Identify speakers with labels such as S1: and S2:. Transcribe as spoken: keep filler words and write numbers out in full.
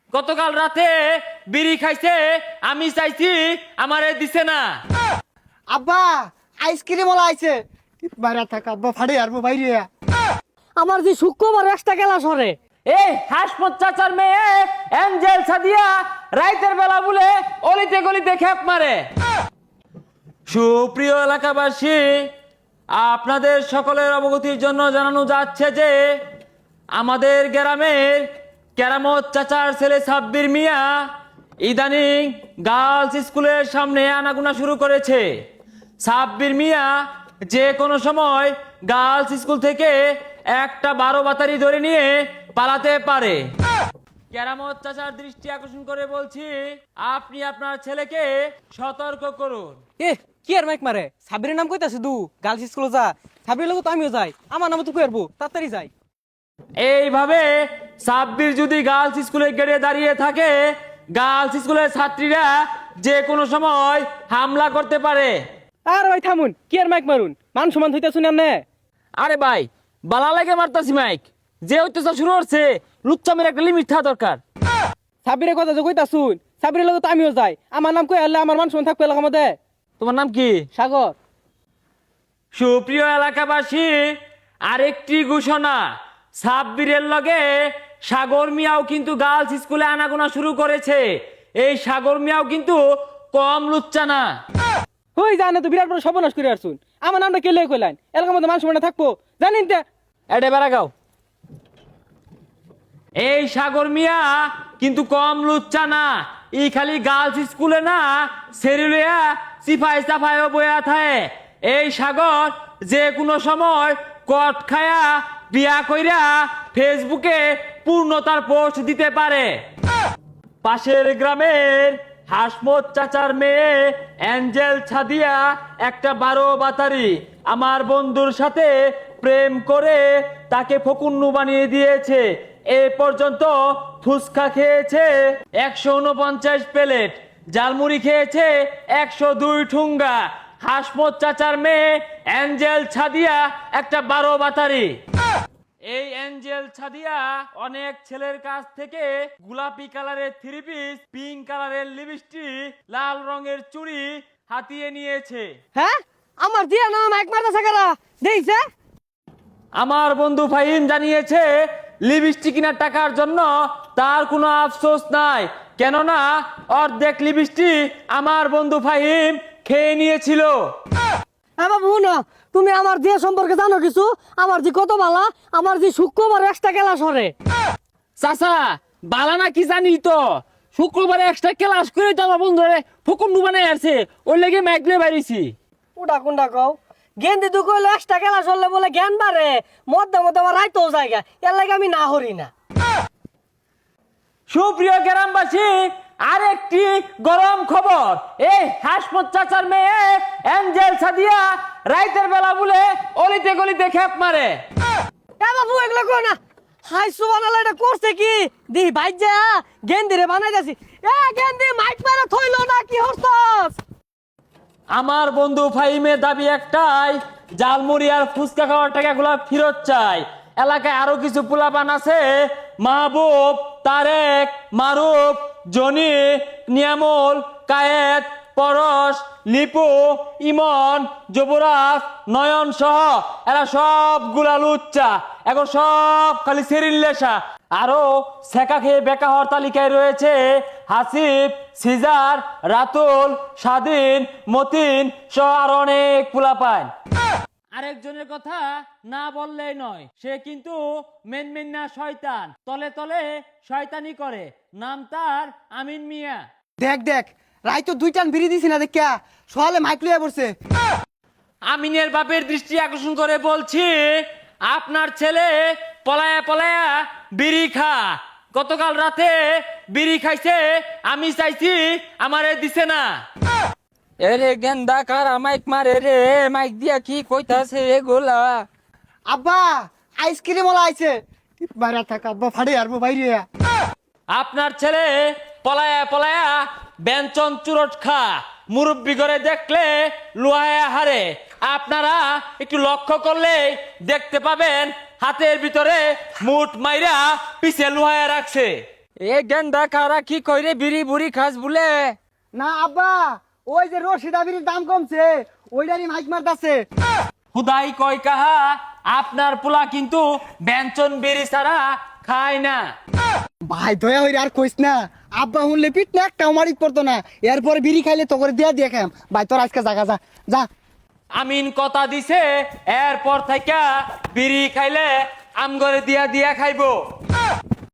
S1: গতকাল রাতে বিড়ি খাইছে, আমি চাইছি আমারে দিছে না।
S2: আব্বা আইসক্রিম ওলা আইছে, বাইরে থাক আব্বা ফাড়ে আর বাইরে।
S3: আমার যে শুক্রবার একটা খেলা সরে
S1: এই হাসমত চাচার মেয়ে এঞ্জেল সাদিয়া রাইতের বেলা বলে অলিতে গলিতে খেপ মারে। সুপ্রিয় এলাকাবাসী, আপনাদের সকলের অবগতির জন্য জানানো যাচ্ছে যে আমাদের গ্রামের কেরামত চাচার ছেলে সাব্বির মিয়া ইদানিং গার্লস স্কুলের সামনে আনাগোনা শুরু করেছে। সাব্বির মিয়া যে কোনো সময় গার্লস স্কুল থেকে একটা বারো বাতারি ধরে নিয়ে পালাতে পারে। কেরামত চাচার দৃষ্টি আকর্ষণ করে বলছি, আপনি আপনার ছেলেকে সতর্ক করুন।
S3: এ কি আর মাইক মারে, সাবিরের নাম কইতাছে দু গার্লস স্কুলে যা, সাবিরের লোক তো আমিও যাই, আমার নাম তো কইরবো, তাড়াতাড়ি যাই।
S1: এইভাবে সাব্বির যদি গার্লস স্কুলের গেটে দাঁড়িয়ে থাকে, গার্লস স্কুলের ছাত্রীরা যে কোনো সময় হামলা করতে পারে।
S3: আর ভাই থামুন, কি আর মাইক মারুন, মান সমান হইতা শুনেন না।
S1: আরে ভাই, বালা লাগে মারতাছি মাইক, যে অত্যাচার শুরু হচ্ছে লুচ্চামের একটা লিমিট থাকা দরকার।
S3: সাবিরের কথা যে কইতা শুন, সাবিরের লোক তো আমিও যাই, আমার নাম কই আনলে আমার মান সমান থাকবে এলাকার মধ্যে।
S1: তোমার নাম কি?
S3: সাগর।
S1: সুপ্রিয় এলাকাবাসী, আরেকটি ঘোষণা, সাব্বিরের লগে সাগর মিয়াও কিন্তু গার্লস স্কুলে আনাগোনা শুরু করেছে। এই সাগর মিয়াও কিন্তু কম লুচ্চা না।
S3: হই জানে তো বিরাট বড় সর্বনাশ করে আসুন, আমার নামটা কে লয়ে কইলেন, এলাকার মধ্যে মান সমান থাকবো জানেন তে।
S1: এডে বেড়া গাও। এই সাগর মিয়া কিন্তু কম লুচ্চা না, ই খালি গার্লস স্কুলে না সেরিলিয়া সিফাই সাফাইও বয়া থাকে। এই সাগর যে কোনো সময় কট খায়া বিয়া কইরা ফেসবুকে পূর্ণতার পোস্ট দিতে পারে। পাশের গ্রামের হাসমত চাচার মেয়ে এঞ্জেল ছাদিয়া একটা বারো বাতারি আমার বন্ধুর সাথে প্রেম করে তাকে ফকুন্নু বানিয়ে দিয়েছে। এ পর্যন্ত ফুচকা খেয়েছে একশো উনপঞ্চাশ প্লেট, জালমুড়ি খেয়েছে একশো দুই ঠুঙ্গা। হাসমত চাচার মেয়ে এঞ্জেল ছাদিয়া একটা বারো বাতারি। এই এঞ্জেল ছাদিয়া অনেক ছেলের কাছ থেকে গোলাপি কালারের থ্রি পিস, পিঙ্ক কালারের লিপস্টিক, লাল রঙের চুড়ি হাতিয়ে নিয়েছে।
S3: হ্যাঁ আমার দিয়া নাম মাইক মারতেছে কারা দেইছে?
S1: আমার বন্ধু ফাহিম জানিয়েছে লিপস্টিক কেনার টাকার জন্য তার কোনো আফসোস নাই, কেননা অর্ধেক লিপস্টিক আমার বন্ধু ফাহিম খেয়ে নিয়েছিল।
S3: হ্যাঁ বাবু না, তুমি আমার দিয়ে সম্পর্কে জানো কিছু? আমার যে কত বালা, আমার যে শুক্রবার একটা খেলা সরে।
S1: চাচা বালা না কি জানি তো, শুক্রবারে এক্সট্রা ক্লাস করে তো আমার বন্ধুরে ফকুন্ডু বানাই আছে, ওই লেগে মাইক লিয়ে বাইরেছি।
S3: ওটা কোনটা কও? গেন্দি দু কইলো একটা খেলা সরলে বলে জ্ঞান বাড়ে, মধ্যে মধ্যে আমার রাইতেও জায়গা, এর লাগে আমি না হরি না।
S1: সুপ্রিয় গ্রামবাসী, আরেকটি গরম খবর, এই হাসমত চাচার মেয়ে এঞ্জেল সাদিয়া রাইতের বেলা বলে অলিতে গলিতে খেপ মারে।
S3: এ বাবু এগুলো কো না, হাই সুবহানাল্লাহ, এটা করছে কি দি ভাই যা গেন্দি রে বানাই যাচ্ছি। এ গেন্দি মাইক মারা থইলো না কি হরছস?
S1: আমার বন্ধু ফাহিমের দাবি একটাই, জালমুড়ি আর ফুচকা খাওয়ার টাকাগুলো ফেরত চাই। এলাকায় আরো কিছু পোলাপান আছে, মাহবুব, তারেক, মারুফ, জনি, নিয়ামুল, কায়েত, পরশ, লিপু, ইমন, যুবরাজ, নয়ন সহ এরা সবগুলা লুচ্চা, এখন সব খালি সেরিল্লেসা। আরো সেকা খেয়ে বেকা হওয়ার তালিকায় রয়েছে হাসিব, সিজার, রাতুল, স্বাধীন, মতিন সহ আরো অনেক পোলাপান। আরেকজনের কথা না বললেই নয়, সে কিন্তু মেন মেন না শয়তান, তলে তলে শয়তানি করে, নাম তার আমিন মিয়া।
S2: দেখ দেখ রাই তো দুই টান বিড়ি দিছি না দেখা, সকালে মাইক লইয়া পড়ছে।
S1: আমিনের বাপের দৃষ্টি আকর্ষণ করে বলছি, আপনার ছেলে পলায়া পলায়া বিড়ি খা, গতকাল রাতে বিড়ি খাইছে, আমি চাইছি আমারে দিছে না।
S4: এরে গেন্দা কারা মাইক মারে রে, মাইক দিয়া কি কইতাছে এগুলা?
S2: আব্বা আইসক্রিম ওলা আইছে, বাইরে থাক আব্বা ফাড়ে আর বাইরে।
S1: আপনার ছেলে পলায়া পলায়া ব্যঞ্চন চুরট খা, মুরব্বি করে দেখলে লুহায়া হারে। আপনারা একটু লক্ষ্য করলে দেখতে পাবেন হাতের ভিতরে মুঠ মাইরা পিছে লুহায়া রাখছে।
S4: এ গেন্দা কারা কি কইরে বিড়ি বুড়ি খাস বলে?
S2: না আব্বা, ওই যে রশিদা বিড়ির দাম কমছে ওইটারই মাইক মারতাছে।
S1: খুদাই কয় কাহা আপনার পোলা কিন্তু ব্যঞ্জন বেরি ছাড়া খায় না।
S2: ভাই দয়া হইরে আর কইস না, আব্বা শুনলে পিট না একটা মারিক পড়তো না, এরপরে বিড়ি খাইলে তো করে দিয়া দিয়ে খাম। ভাই তোর আজকে জাগা যা যা।
S1: আমিন কথা দিছে এরপর থেকে বিড়ি খাইলে আম করে দিয়া দিয়া খাইবো।